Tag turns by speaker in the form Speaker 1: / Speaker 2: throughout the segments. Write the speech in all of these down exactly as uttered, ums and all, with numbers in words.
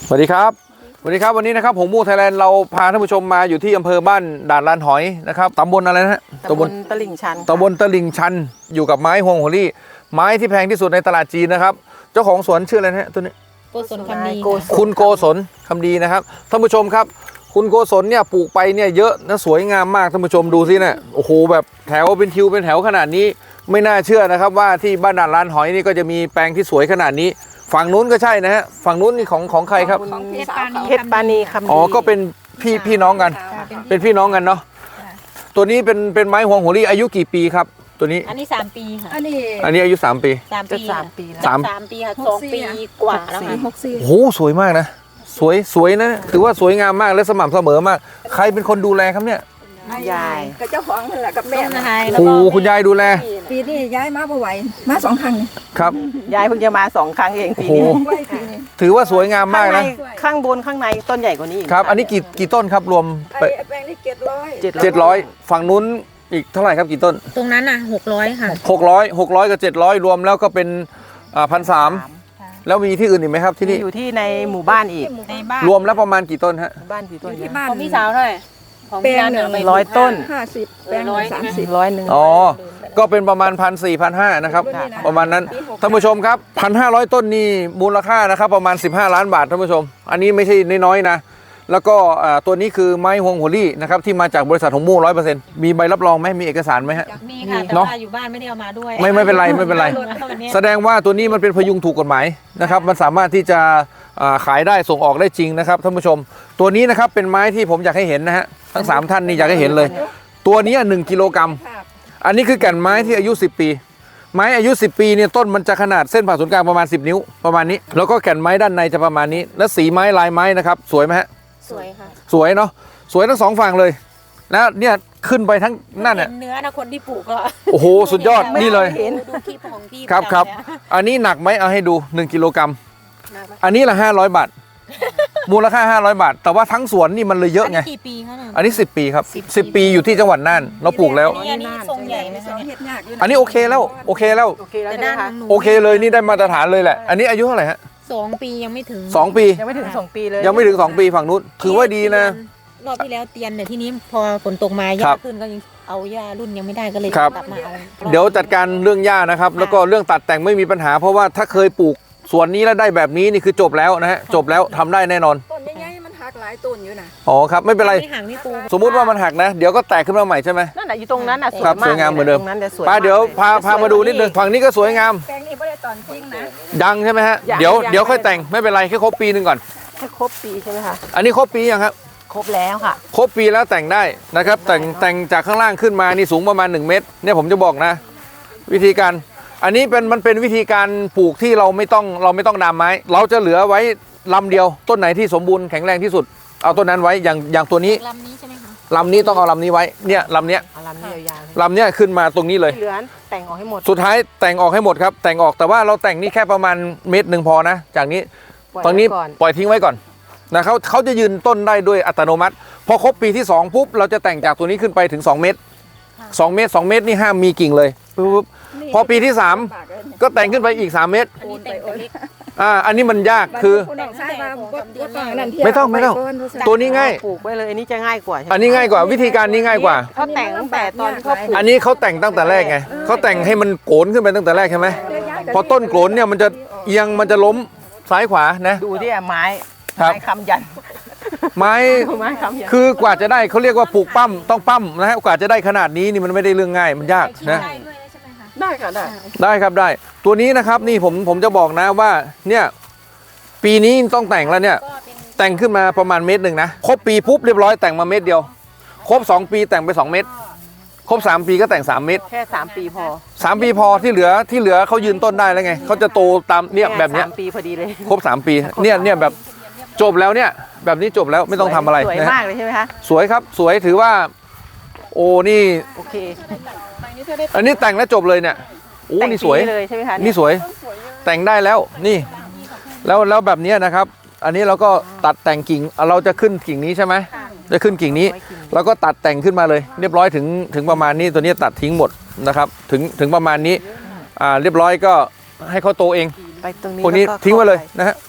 Speaker 1: สวัสดีครับสวัสดีครับวันนี้นะครับผมมูไทยแลนด์เราพาท่านผู้ชมมาอยู่ที่อำเภอบ้านด่านลานหอยนะครับตำบลอะไรนะฮะ
Speaker 2: ตำบลตลิ่งชัน
Speaker 1: ตำบลตลิ่งชันอยู่กับไม้ฮวงโหรี่ไม้ที่แพงที่สุดในตลาดจีนนะครับเจ้าของสวนชื่ออะไรนะฮะตัวนี้
Speaker 3: โกศลคำดี
Speaker 1: คุณโกศลคำดีนะครับท่านผู้ชมครับคุณโกศลเนี่ยปลูกไปเนี่ยเยอะนะสวยงามมากท่านผู้ชมดูสิเนี่ยโอ้โหแบบแถวเป็นทิวเป็นแถวขนาดนี้ไม่น่าเชื่อนะครับว่าที่บ้านด่านลานหอยนี่ก็จะมีแปลงที่สวยขนาดนี้ฝั่งนู้นก็ใช่นะฮะฝั่งนู้นนี่ของของใครครับ
Speaker 2: เพชรปานีคำดี
Speaker 1: อ๋อก็เป็นพี่พี่น้องกัน เป็นพี่น้องกันเนาะตัวนี้เป็นเป็นไม้ฮวงโหรี่อายุกี่ปีครับตัวนี้
Speaker 3: อันนี้สามปีค่ะ
Speaker 4: อันนี้
Speaker 1: อันนี้อายุสามปี
Speaker 3: สาม
Speaker 2: จะ
Speaker 3: ปี
Speaker 2: สามปีแล้ว
Speaker 1: สาม
Speaker 3: สามปีค่ะสองปีกว่าแล้วค่ะ
Speaker 4: หกสี่
Speaker 1: โอ้โหสวยมากนะสวยสวยนะถือว่าสวยงามมากและสม่ำเสมอมากใครเป็นคนดูแลครับเนี่ย
Speaker 2: ยาย
Speaker 4: กับเจ้าของนั่นแหละกับ
Speaker 3: ต้
Speaker 4: แม่
Speaker 3: น
Speaker 4: นะ
Speaker 3: ไฮ
Speaker 1: โอ้โหคุณยายดูแล
Speaker 4: ปีนี้ย้ายมาบ่ไหวมาสองครั้งนี่
Speaker 1: ครับ
Speaker 2: ยายเพิ่งจะมาสองครั้งเอง
Speaker 1: โอ้
Speaker 2: ปี
Speaker 1: โห
Speaker 2: นี้
Speaker 4: ไหวปีนี้
Speaker 1: ถือว่าสวยงามมาก
Speaker 2: ข้างใน
Speaker 1: นะ
Speaker 2: ข้างบนข้างในต้นใหญ่กว่านี้อีก
Speaker 1: ครับอันนี้กี่กี่ต้นครับรวม
Speaker 4: ไอ้แปลงนี่เจ็ดร้อย
Speaker 2: เจ็ด
Speaker 1: เจ็ดร้อยฝั่งนู้นอีกเท่าไหร่ครับกี่ต้น
Speaker 3: ตรงนั้นน่ะหกร้อยค่ะ
Speaker 1: หกร้อยหกร้อยกับเจ็ดร้อยรวมแล้วก็เป็นพันสามแล้วมีที่อื่นอีกไหมครับที่
Speaker 2: มี
Speaker 1: นี่
Speaker 2: อยู่ที่ในหมู่บ้านอีก
Speaker 3: ในบ้าน
Speaker 1: รวมแล้วประมาณกี่ต้นฮะ
Speaker 2: บ้านกี่ต้น
Speaker 4: ที่
Speaker 2: เนี่ย
Speaker 4: บ้าน
Speaker 3: ของพี่สาวเท่าไหร่ของ
Speaker 4: แปล
Speaker 3: พี่
Speaker 4: ง
Speaker 3: นัน
Speaker 4: หนึ่ง
Speaker 3: ไป
Speaker 2: ร้อยต้น
Speaker 4: ห้าสิบแปลงหนึ่งสามสิบ
Speaker 2: ร้อยหนึ่ง
Speaker 1: อ๋อ ก็เป็นประมาณพันสี่พันห้านะครับ ประมาณนั้นท่านผู้ชมครับพันห้าร้อยต้นนี่มูลค่านะครับประมาณสิบห้าล้านบาทท่านผู้ชม อันนี้ไม่ใช่น้อยๆนะแล้วก็ตัวนี้คือไม้ฮวงโหรี่นะครับที่มาจากบริษัทหงมู่ร้อยเปอร์เซ็นต์มีใบรับรองไหมมีเอกสารไหมฮะ
Speaker 3: มีค่ะแต่
Speaker 1: เนอะ
Speaker 3: ว่าอยู่บ้านไม่ได้เอามาด้วย
Speaker 1: ไม่ไม่เป็นไรไม่เป็นไร
Speaker 3: วันนี้
Speaker 1: แสดงว่าตัวนี้มันเป็นพยุงถูกกฎหมายนะครับมันสามารถที่จะอ่าขายได้ส่งออกได้จริงนะครับท่านผู้ชม ตัวนี้นะครับเป็นไม้ที่ผมอยากให้เห็นนะฮะทั้งสามท่านนี่อยากให้เห็นเลย ตัวนี้หนึ่งกิโลกรัมอันนี้คือแก่นไม้ที่อายุสิบปี ไม้อายุสิบปีเนี่ยต้นมันจะขนาดเส้นผ่าศูนย์กลางประมาณสิบนิ้วประมาณนี้แล้วก็แก่นไม้ด้านในจะประมาณนี้ และสีไม้ลายไม้นะครับสวยไหมฮะ
Speaker 3: สวยค่ะ
Speaker 1: สวยเนาะสวยทั้งสองฝั่งเลยแล้วเนี่ยขึ้นไปทั้งนั่นน่ะ
Speaker 3: เห็เนื้อนะคนที่ปลูกก็
Speaker 1: โอ้โหสุดยอดนี่เลย
Speaker 3: ดูคลิปของพี่
Speaker 1: ครับครับ
Speaker 3: ประจำเลยอะ
Speaker 1: อันนี้หนักไหมเอาให้ดูหนึ่งกิโลกรัม
Speaker 3: หนักไหม
Speaker 1: อันนี้ละห้าร้อยบาท มูลค่าห้าร้อยบาท แต่ว่าทั้งสวนนี่มันเลยเยอะไง
Speaker 3: นนี้กี่ปีคะเนี่ย
Speaker 1: อันนี้สิบปีครับสิบปีอยู่ที่จังหวัดน่านเราปลูกแล้ว
Speaker 3: อันนี้อันนี้ทรงใหญ่ไหม
Speaker 4: ส
Speaker 3: คะ
Speaker 4: อง
Speaker 3: เนี่ย
Speaker 4: เฮ็ดยากอยู่นะ
Speaker 1: อันนี้โอเคแล้วโอเคแล้ว
Speaker 2: โอเคแล้ว
Speaker 3: แต่
Speaker 2: ใช่ไหม
Speaker 3: ด้าน
Speaker 2: คะ
Speaker 3: หนู
Speaker 1: โอเคเลยนี่ได้มาตรฐานเลยแหละอันนี้อายุเท่าไหร่ฮะ
Speaker 3: สองปียังไม่ถึง
Speaker 1: สองปี
Speaker 2: ยังไม่ถึงสองปีเลย
Speaker 1: ยังไม่ถึงสองปีฝั่งนู้นถือว่าดีนะ
Speaker 3: รอบที่แล้วเตียนแต่ที่นี้พอฝนตกมาห
Speaker 1: ครั
Speaker 3: ญ้า
Speaker 1: บ
Speaker 3: ขึ้นก็ยังเอาหญ้ารุ่นยังไม่ได้ก็เลย
Speaker 1: ครับ
Speaker 3: กลับมาเอา
Speaker 1: เดี๋ยวจัดการเรื่องหญ้านะครับ แล้วก็เรื่องตัดแต่งไม่มีปัญหา เพราะว่าถ้าเคยปลูกสวนนี้แล้วได้แบบนี้นี่คือจบแล้วนะฮะจบแล้วทำได้แน่นอน
Speaker 4: ต้นใหญ่ๆมันหักหลายต้นอยู่นะ
Speaker 1: อ๋อครับไม่เป็นไร
Speaker 3: ไม่ห่างไม่ปู
Speaker 1: สมมุติว่ามันหักนะ เดี๋ยวก็แตกขึ้นมาใหม่ใช่ไหม
Speaker 2: นั่นแหละอยู่ตรงนั้นน่ะสวย
Speaker 1: ครับ
Speaker 2: มาก
Speaker 1: สวยงามเหมือนเดิม
Speaker 2: ตรงนั้นจะสวย
Speaker 1: ป้าเดี๋ยว
Speaker 2: มกล
Speaker 1: พาพามาดูนิดนึงฝั่งนี้ก็สวยงาม
Speaker 4: แปลงนี้ไม่ได้ตอนจริงนะ
Speaker 1: ยังใช่ไหมฮะ
Speaker 2: ยัง
Speaker 1: เดี๋ยว
Speaker 2: ยัง
Speaker 1: เดี๋ยวค่อยแต่งไม่เป็นไรแค่ครบปีหนึ่งก่อน
Speaker 2: ให้ครบปีใช่ไหมคะ
Speaker 1: อันนี้ครบปียังครับ
Speaker 2: ครบแล้วค่ะ
Speaker 1: ครบปีแล้วแต่งได้นะครับ แต่งแต่งจากข้างล่างขึ้นมานี่สูงประมาณหนึ่งเมตรเนี่ยผมจะบอกนะ วิธีการ อันนี้เป็นมันเป็นวิธีการปลูกที่เราไม่ต้องเราไม่ต้องดามไม้ เราจะเหลือไว้ลำเดียว ต้นไหนที่สมบูรณ์แข็งแรงที่สุด เอาต้นนั้นไว้อย่างอย่างตัวนี้
Speaker 3: ลำนี้ใช่ไหมคะ
Speaker 1: ลำนี้ต้องเอาลำนี้ไว้เนี่ยลำเนี้ย
Speaker 2: เอาลำนี้ยาวๆ
Speaker 1: ลำเนี้ยขึ้นมาตรงนี้เลย
Speaker 2: ที่เหลือแต่งออกให้หมด
Speaker 1: สุดท้ายแต่งออกให้หมดครับแต่งออกแต่ว่าเราแต่งนี่แค่ประมาณเมตรหนึ่งพอนะ จากนี้
Speaker 2: ปล่ย
Speaker 1: ตอนนี้
Speaker 2: ไว้ก่อน
Speaker 1: ปล่อยทิ้งไว้ก่อนนะเขาเขาจะยืนต้นได้ด้วยอัตโนมัติ พอครบปีที่สองปุ๊บเราจะแต่งจากตัวนี้ขึ้นไปถึงสองเมตรสองเมตรสองเมตรนี่ห้ามมีกิ่งเลยปุ๊บพอปีที่สามก็แต่งขึ้นไปอีกสามเมตร
Speaker 3: อันนี้แต่งแต่เล็ก
Speaker 1: อ่าอันนี้มันยากคือ
Speaker 4: ณน้องชายมาบ่บ่ต้องนั่นเที่ยว
Speaker 1: ไม่ต้องไม่ต้อง
Speaker 4: ปก่นรู้สึก
Speaker 1: ตัวนี้ง่าย
Speaker 2: ปลูกไว้เลยอันนี้จะง่ายกว่าใช่ไหม
Speaker 1: อันนี้ง่ายกว่าวิธีการนี้ง่ายกว่า
Speaker 2: เขาแต่งตั้งแต่ตอนที่เขาปลูก
Speaker 1: อันนี้เขาแต่งตั้งแต่แรกไงเขาแต่งให้มันโกนขึ้นไปตั้งแต่แรกใช่ไหมพอต้นโกนเนี่ยมันจะเอียงมันจะล้มซ้ายขวานะ
Speaker 2: ดูที่ไม้
Speaker 1: ครับ
Speaker 2: ไม้คำยัน
Speaker 1: ไม้
Speaker 2: ไม้คำยัน
Speaker 1: คือกว่าจะได้เขาเรียกว่าปลูกปั้มต้องปั้มนะฮะกว่าจะได้ขนาดนี้นี่มันไม่ได้เรื่องง่ายมันยากนะ
Speaker 3: ได้ด้วยใช่ไหมคะ
Speaker 2: ได้ค่ะได้
Speaker 1: ได้ครับได้ ตัวนี้นะครับนี่ผมผมจะบอกนะว่าเนี่ยปีนี้ต้องแต่งแล้วเนี่ย
Speaker 3: ก็เป็น
Speaker 1: แต่งขึ้นมาประมาณเมตรหนึ่งนะครบปีปุ๊บเรียบร้อยแต่งมาเมตรเดียว ครบสองปีแต่งไปสองเมตร ครบสามปีก็แต่งสามเมตร
Speaker 2: แค่สามปีพอ
Speaker 1: สามปีพอที่เหลือที่เหลือเขายืนต้นได้แล้วไงเขาจะโตตามเนี่ยแบบเนี้ย
Speaker 2: สามปีพอดีเลย
Speaker 1: ครบสามปีเนี่ยเนี่ยแบบจบแล้วเนี่ยแบบนี้จบแล้วไม่ต้องทำอะไร
Speaker 2: สวย
Speaker 1: นะฮะ
Speaker 2: มากเลยใช่ไหมคะ
Speaker 1: สวยครับสวยถือว่า โอ้นี่
Speaker 2: โอเค
Speaker 1: อันนี้แต่งแล้วจบเลยเนี่ยโอ้นี่สวย
Speaker 2: แต่งปีเลยใช่ไหมคะ
Speaker 1: นี่สวยแต่งได้แล้วนี่ แล้วแล้วแบบนี้นะครับ อันนี้เราก็ตัดแต่งกิ่งเราจะขึ้นกิ่งนี้ใช่ไหมจะขึ้นกิ่งนี้ แล้วก็ตัดแต่งขึ้นมาเลย เรียบร้อยถึงถึงประมาณนี้ตัวนี้ตัดทิ้งหมดนะครับ ถึงถึงประมาณนี้อ่าเรียบร้อยก็ให้เขาโตเอง
Speaker 2: ไปตรงนี้
Speaker 1: พวกนี้
Speaker 2: แล้ว
Speaker 1: ทิ้งไว้เลย
Speaker 2: ข้าป
Speaker 1: นะฮะ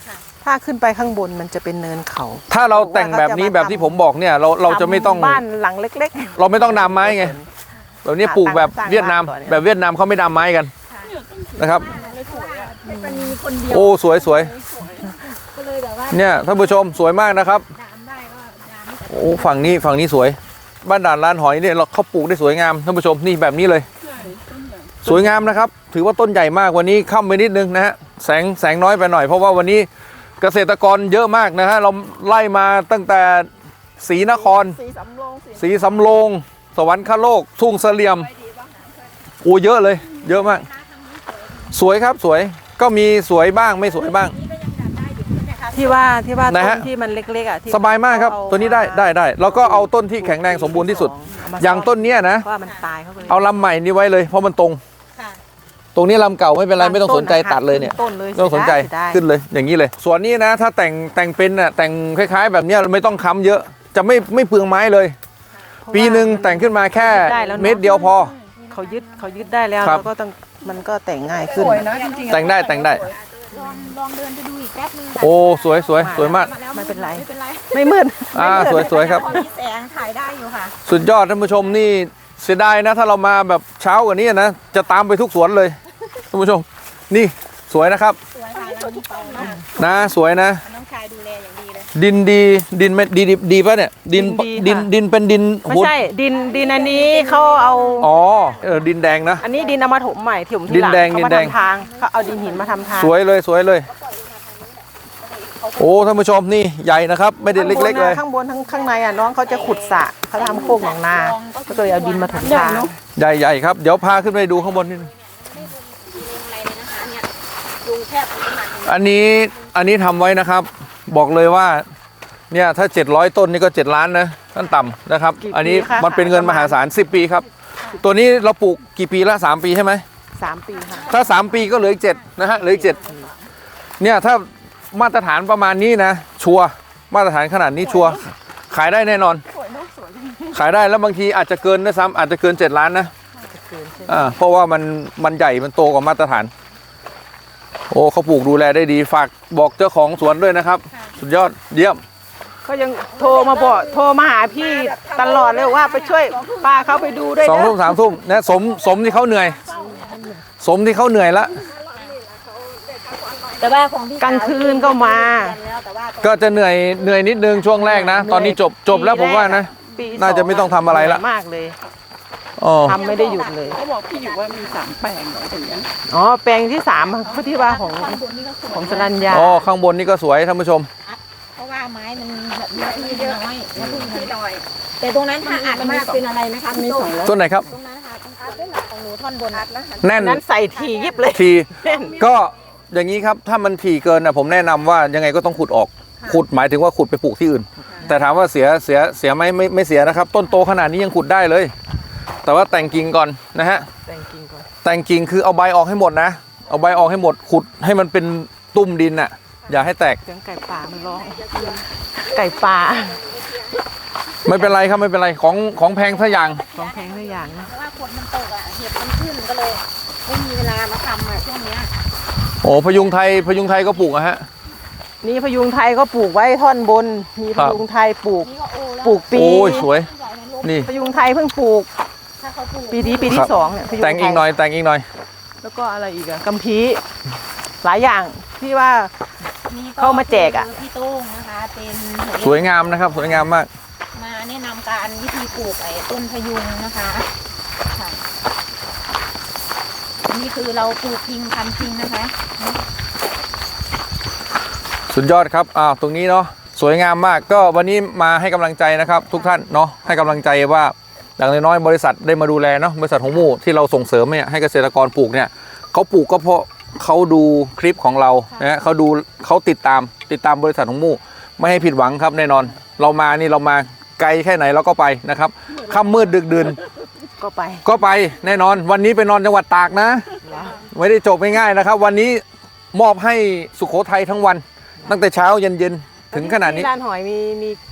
Speaker 2: ถ้าขึ้นไปข้างบนมันจะเป็นเนินเขา
Speaker 1: ถ้าเราแต่งแบบนี้แบบที่ผมบอกเนี่ยเราเราจะไม่ต้อง
Speaker 2: ทำบ้านหลังเล็ก
Speaker 1: เราไม่ต้องนำไม้ไงแบบนี้ปลูกแบบเวียดนาม
Speaker 2: สร้างบ้านก่อน
Speaker 1: แบบเวียดนามเขาไม่นำไม้กันนะครับ
Speaker 4: มันมีคนเดียว
Speaker 1: โอ้สวยสวย
Speaker 4: ก็เลยแบบว่า
Speaker 1: เนี่ยท่านผู้ชมสวยมากนะครับ
Speaker 4: ดามได้ก็ดาม
Speaker 1: โอ้ฝั่งนี้ฝั่งนี้สวย บ้านด่านลานหอยเนี่ยเราเขาปลูกได้สวยงามท่านผู้ชมนี่แบบนี้เลย สวยงามนะครับ ถือว่าต้นใหญ่มากวันนี้ค่ำไปนิดนึงนะฮะแสงแสงน้อยไปหน่อยเพราะว่าวันนี้เกษตรกรเยอะมากนะฮะเราไล่มาตั้งแต่ศรีนคร
Speaker 2: สีสำโรงสี
Speaker 1: ศรีสำโรงสวรรคโลกทุ่งเสลี่ยมโอ้เยอะเลย เยอะมาก สวยครับสวยก็มีสวยบ้างไม่สวยบ้าง
Speaker 2: ที่ว่าที่ว่า
Speaker 1: ไหน
Speaker 2: ต้
Speaker 1: ฮะ
Speaker 2: นที่มันเล็กๆอ่ะที่
Speaker 1: สบายมากครับ
Speaker 2: เอ
Speaker 1: ตัวนี้ได้ได้ได้แล้วก็เอาต้นที่แข็งแรงสมบูรณ์ที่สุด
Speaker 2: เม
Speaker 1: อย่างต้นเนี้ยนะ
Speaker 2: เพราะว่ามันตายเข้าไป
Speaker 1: เอาลำใหม่นี้ไว้เลยเพราะมันตรง
Speaker 3: ค่ะ
Speaker 1: ตรงนี้ลำเก่าไม่เป็นไรไม่ต้องสนใจตัดเลยเนี่ย
Speaker 2: ต้นเลย
Speaker 1: ไม่ต้องสนใจ
Speaker 2: เสียดาย
Speaker 1: ขึ้นเลยอย่างนี้เลย ส่วนนี้นะถ้าแต่งแต่งเป็นน่ะแต่งคล้ายๆ แบบเนี้ยไม่ต้องค้ำเยอะ จะไม่ไม่เปลืองไม้เลย
Speaker 2: เพราะว่า
Speaker 1: ปีหนึ่งแต่งขึ้นมาแค่
Speaker 2: ได้แล้วเนอะ
Speaker 1: เม็ดเดียวพอ
Speaker 2: เขายึดเขายึดได้แล้ว
Speaker 1: ครับ
Speaker 2: แล้วก็ต้องมันก็แต่งง่าย
Speaker 4: ส
Speaker 2: ขึ้น
Speaker 4: วยนะจริงๆ
Speaker 1: แต่งได้แต่งได้
Speaker 3: ลองลองเดินไปดูอีกแป๊บนึงค่ะ
Speaker 1: โอ้สวยสวยสวยมาก
Speaker 3: แล้ว
Speaker 2: ไม่เป็นไร
Speaker 3: ไม่เป็นไร
Speaker 2: ไม่มืด
Speaker 1: อ่าสวยสวยครับ
Speaker 3: พอมีแสงถ่ายได้อยู่ค่ะ
Speaker 1: สุดยอดท่านผู้ชมนี่เสียดายนะ ถ้าเรามาแบบเช้ากว่านี้นะจะตามไปทุกสวนเลยท่านผู้ชมนี่สวยนะครับ
Speaker 3: สวยค่ะแล้วมีเป่ามาก
Speaker 1: นะสวยนะ
Speaker 3: น้องชายดูแลอย่างดีเลย
Speaker 1: ดินดีดินไม่ดีดีดีป่ะเนี่ยดินดินดินเป็นดิน
Speaker 2: ไม่ใช่ดินดินอันนี้เขาเอา
Speaker 1: อ๋อเออดินแดงนะ
Speaker 2: อันนี้ดินเอามาถมใหม่ถม
Speaker 1: ดิ
Speaker 2: ที่
Speaker 1: น
Speaker 2: หลัง
Speaker 1: แดง
Speaker 2: เขา
Speaker 1: ดิน
Speaker 2: มา
Speaker 1: แดง
Speaker 2: ทำทางเขาเอาดินหินมาทำทาง
Speaker 1: สวยเลยสวยเลย โอ้ท่านผู้ชมนี่ใหญ่นะครับ ไม่ได้เล็กๆเลย
Speaker 2: ข้างบนทั้งข้างในอ่ะน้องเขาจะขุดสระเขาทำโคกหนองนาก็เลยเอาดินมาถมทาง
Speaker 1: ใหญ่ใหญ่ครับเดี๋ยวพาขึ้นไปดูข้างบนนิดนึง
Speaker 3: อะไรเลยนะคะเนี่ยลุงแทบไม่ทัน
Speaker 1: อันนี้อันนี้ทำไว้นะครับ บอกเลยว่าเนี่ยถ้าเจ็ดร้อยต้นนี่ก็เจ็ดล้านนะขั้นต่ำนะครับ อันนี้มันเป็นเงินมหาศาลสิบปีครับ ตัวนี้เราปลูกกี่ปีละสามปีใช่ไหม
Speaker 2: สามปีค่ะ
Speaker 1: ถ้าสามปีก็เหลืออีกเจ็ดนะฮะเหลืออีกเจ็ดเนี่ยถ้ามาตรฐานประมาณนี้นะ ชัวร์มาตรฐานขนาดนี้ชัวร์ขายได้แน่นอน ขายได้แล้วบางทีอาจจะเกินด้วยซ้ำอาจจะเกินเจ็ดล้านนะอ่าเพราะว่ามันมันใหญ่มันโตกว่ามาตรฐาน โอ้เขาปลูกดูแลได้ดีฝากบอกเจ้าของสวนด้วยนะครับ สุดยอดเยี่ยม
Speaker 2: เขายังโทรมาบอกโทรมาหาพี่ตลอดเลยว่าไปช่วยป้าเขาไปดูด้วย
Speaker 1: สอง
Speaker 2: นะ
Speaker 1: ทุ่มสามทุ่มนะสมสมที่เขาเหนื่อย สมที่เขาเหนื่อยละ
Speaker 3: แต่ว่าของพี่
Speaker 2: กลางคืนก็มา
Speaker 3: แล้วแต่ว่า
Speaker 1: ก็จะเหนื่อยเหนื่อยนิดนึงช่วงแรกนะ ตอนนี้จบจบแล้วผมว่านะ
Speaker 2: ปีสอง
Speaker 1: น่าจะไม่ต้องทำอะไรละ
Speaker 2: เหนื่ยมากเลย
Speaker 1: อ๋อ
Speaker 2: ทำไม่ได้หยุดเลย
Speaker 4: เขาบอกพี่อยู่ว่ามีสามแปลงเหรออย่างเงี้ย
Speaker 2: อ๋อแปลงที่สามเขาที่ว่าของของสรัญญา
Speaker 1: อ๋อข้างบนนี่ก็สวยท่านผู้ชม
Speaker 3: เพราะว่าไม้มันแบบเนื้อที่น้อยแล้วพึ่ง
Speaker 4: พี่ดอย
Speaker 3: แต่ตรงนั้นถ้าอัดมากเป็นอะไรไหมคะ
Speaker 4: มีสองร้อย
Speaker 1: ต้นไหนครับ
Speaker 3: ตรงนั้นค่ะตรงอัดด้วยหลักของหนูท่อนบนอัดนะ
Speaker 1: แน่น
Speaker 2: นั้นใส่ทียิบเลย
Speaker 1: ที
Speaker 2: แน่น
Speaker 1: ก็อย่างนี้ครับถ้ามันถี่เกินนะผมแนะนำว่ายังไงก็ต้องขุดออก ขุดหมายถึงว่าขุดไปปลูกที่อื่น แต่ถามว่าเสียเสียเสียไหมไม่ไม่เสียนะครับ ต้นโตขนาดนี้ยังขุดได้เลย แต่ว่าแต่งกิ่งก่อนนะฮะ
Speaker 2: แต่งจริงก่อน
Speaker 1: แต่งกิ่งคือเอาใบออกให้หมดนะ เอาใบออกให้หมดขุดให้มันเป็นตุ่มดินน่ะอย่าให้แตก
Speaker 2: เสียงไก่ป่ามันร้องไก่ป่า
Speaker 1: ไม่เป็นไรครับไม่เป็นไรของของแพงสักอย่าง
Speaker 2: ของแพงทุกอย่างนะ
Speaker 3: เพราะว่าฝนมันตกอ่ะเห็ดมันขึ้นก็เลยไม่มีเวลามาทำอ่ะช่วงเนี้ย
Speaker 1: โอ้พยุงไทยพยุงไทยก็ปลูกอะฮะ
Speaker 2: นี่พยุงไทยก็ปลูกไว้ท่อนบน มี
Speaker 1: ค
Speaker 2: พ
Speaker 1: รับ
Speaker 2: ยุงไทยปลูก
Speaker 3: นี่ก็โอแล้ว
Speaker 2: ปลูกปี
Speaker 1: โอ้ยสวย
Speaker 3: ใหญ่ในลม
Speaker 1: นี่
Speaker 2: พยุงไทยเพิ่งปลูก
Speaker 3: ถ้าเขาปลูก
Speaker 2: ปีนี้ปี
Speaker 1: ครั
Speaker 2: ที่
Speaker 1: บ
Speaker 2: สองเนี่ยพยุงไทย
Speaker 1: แต่งอีกหน่อยแต่งอีกหน่อย
Speaker 2: แล้วก็อะไรอีกอะกัมพีหลายอย่างที่ว่า
Speaker 3: นี่
Speaker 2: เข้ามาแจกอะ
Speaker 3: คือพี่โต้งนะคะเป็นหัว
Speaker 1: สวยงามนะครับ สวยงามมาก
Speaker 3: มาแนะนำการวิธีปลูกไอ้ต้นพยุงนะคะค่ะนี่คือเราปลูกพิงพันธุ์พิงนะคะ
Speaker 1: สุดยอดครับอ้าวตรงนี้เนาะสวยงามมากก็วันนี้มาให้กำลังใจนะครับ ทุกท่านเนาะให้กำลังใจว่าอย่างน้อยๆบริษัทได้มาดูแลเนาะบริษัทของหมู่ที่เราส่งเสริมเนี่ยให้เกษตรกรปลูกเนี่ยเขาปลูกก็เพราะเขาดูคลิปของเรานะฮะเขาดูเขาติดตามติดตามบริษัทของหมู่ไม่ให้ผิดหวังครับแน่นอน เรามานี่เรามาไกลแค่ไหนเราก็ไปนะครับค่ำมืดดึกดื่น
Speaker 2: ก็ไป
Speaker 1: ก็ไปแน่นอนวันนี้ไปนอนจังหวัดตากนะ ไม่ได้จบง่ายๆนะครับ วันนี้มอบให้สุโขทัยทั้งวัน ตั้งแต่เช้าเย็นๆถึงขนาดนี้
Speaker 2: ที่ร้านหอยมีมี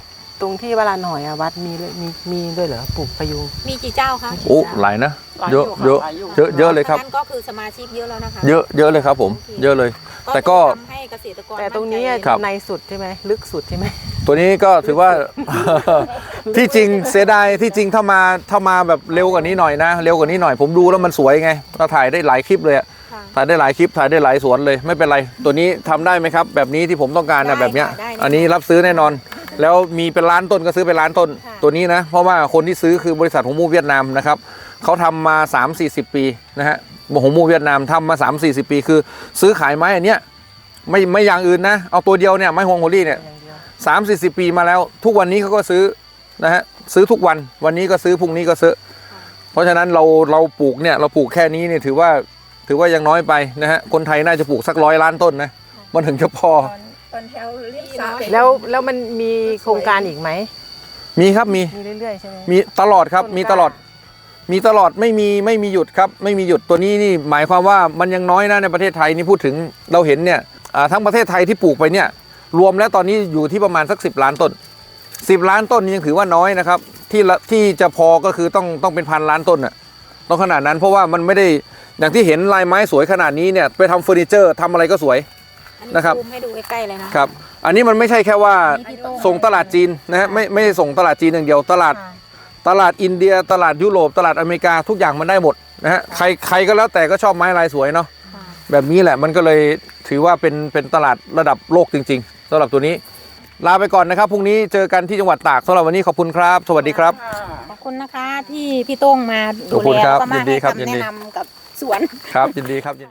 Speaker 2: ตรงที่วลานหอยอะวัดมีเลยมีมีด้วยเหรอปลูกพยุง
Speaker 3: มีกี่เจ้าคะ
Speaker 1: โอ้หลายนะ เยอะเยอะเยอะเยอะเลยครับ
Speaker 3: นั่นก็คือสมาชิกเยอะแล้วนะคะ
Speaker 1: เยอะเยอะเลยครับผม เยอะเลย แต่ก็
Speaker 3: ทำให้เกษตรกร
Speaker 2: แต่ตรงนี้
Speaker 3: มั่ใจ
Speaker 1: ครับ
Speaker 2: ในสุดใช่ไหมลึกสุดใช่ไหม
Speaker 1: ตัวนี้ก็ถือว่า ที่จริงเสียดายที่จริงถ้ามาถ้ามาแบบเร็วกว่านี้หน่อยนะ เร็วกว่านี้หน่อยผมดูแล้วมันสวยไงเราถ่ายได้หลายคลิปเลยอะ
Speaker 3: ค่ะ
Speaker 1: ถ่ายได้หลายคลิปถ่ายได้หลายสวนเลยไม่เป็นไร ตัวนี้ทำได้ไหมครับ แบบนี้ที่ผมต้องการนะ
Speaker 3: ได้
Speaker 1: แบบเนี้ย
Speaker 3: ค่ะได้
Speaker 1: อันนี้รับซื้อแน่นอน แล้วมีเป็นล้านต้นก็ซื้อเป็นล้านต้น
Speaker 3: ค่ะ
Speaker 1: ตัวนี้นะ เพราะว่าคนที่ซื้อคือบริษัทหงมูเวียดนามนะครับเขาทำมา สามสี่สิบ ปีนะฮะหงมูเวียดนามทำมา สามสี่สิบ ปีคือ ซื้อขายไม้อันเนี้ยไม่ไม่อย่างอื่นนะเอาตัวเดียวเนี่ยไม้ฮวงโฮลี่เนี่ย
Speaker 2: อย่างเดียว
Speaker 1: สามสี่สิบปีมาแล้วทุกวันนี้เขาก็ซื้อนะฮะซื้อทุกวันวันนี้ก็ซื้อพรุ่งนี้ก็ซื้อ เพราะฉะนั้นเราเราปลูกเนี่ยเราปลูกแค่นี้เนี่ยถือว่าถือว่ายังน้อยไปนะฮะคนไทยน่าจะปลูกสักร้อยล้านต้นนะมันถึงจะพอ
Speaker 4: ตอนตอนแถวเรียบสระ
Speaker 2: แล้วแล้วมันมีโครงการอีกไหม
Speaker 1: มีครับมี
Speaker 2: มีเรื่อยๆใช่ไหม
Speaker 1: มีตลอดครับ
Speaker 2: ต้น
Speaker 1: มีตลอดมีตลอดไม่มีไม่มีหยุดครับไม่มีหยุดตัวนี้นี่หมายความว่ามันยังน้อยนะในประเทศไทยนี่พูดถึงเราเห็นเนี่ยอ่าทั้งประเทศไทยที่ปลูกไปเนี่ยรวมแล้วตอนนี้อยู่ที่ประมาณสักสิบล้านต้นสิบล้านต้นนี่ยังถือว่าน้อยนะครับที่ละที่จะพอก็คือต้องต้องเป็นพันล้านต้นน่ะต้องขนาดนั้นเพราะว่ามันไม่ได้อย่างที่เห็นลายไม้สวยขนาดนี้เนี่ยไปทำเฟอร์นิเจอร์ทำอะไรก็สวย
Speaker 3: อันนี้
Speaker 1: นะครับ
Speaker 3: ซูมให้ดูใกล้ๆเลยนะครับ
Speaker 1: อันนี้มันไม่ใช่แค่ว่า
Speaker 3: นี่พี่โต้ง
Speaker 1: ส่งตลาดจีนนะฮะไม่ไม่ใช่ส่งตลาดจีนอย่างเดียวตลาด
Speaker 3: ค่ะ
Speaker 1: ตลาดอินเดียตลาดยุโรปตลาดอเมริกาทุกอย่างมันได้หมดนะฮะใครใครก็แล้วแต่ก็ชอบไม้ลายสวยเนาะ
Speaker 3: ค่ะ
Speaker 1: แบบนี้แหละมันก็เลยถือว่าเป็นเป็นตลาดระดับโลกจริงๆสำหรับตัวนี้ ลาไปก่อนนะครับพรุ่งนี้เจอกันที่จังหวัดตากสำหรับวันนี้ขอบคุณครับ สวัสดีครับ
Speaker 3: ขอบคุณนะคะที่พี่โต้งมา
Speaker 1: ขอบคุณครับ
Speaker 3: แล้วก็มา
Speaker 1: ยินดี
Speaker 3: ให้
Speaker 1: ครับ
Speaker 3: คำ
Speaker 1: ยิน
Speaker 3: แนะ
Speaker 1: ดี
Speaker 3: นำกับสวน
Speaker 1: ครับยินดีครับ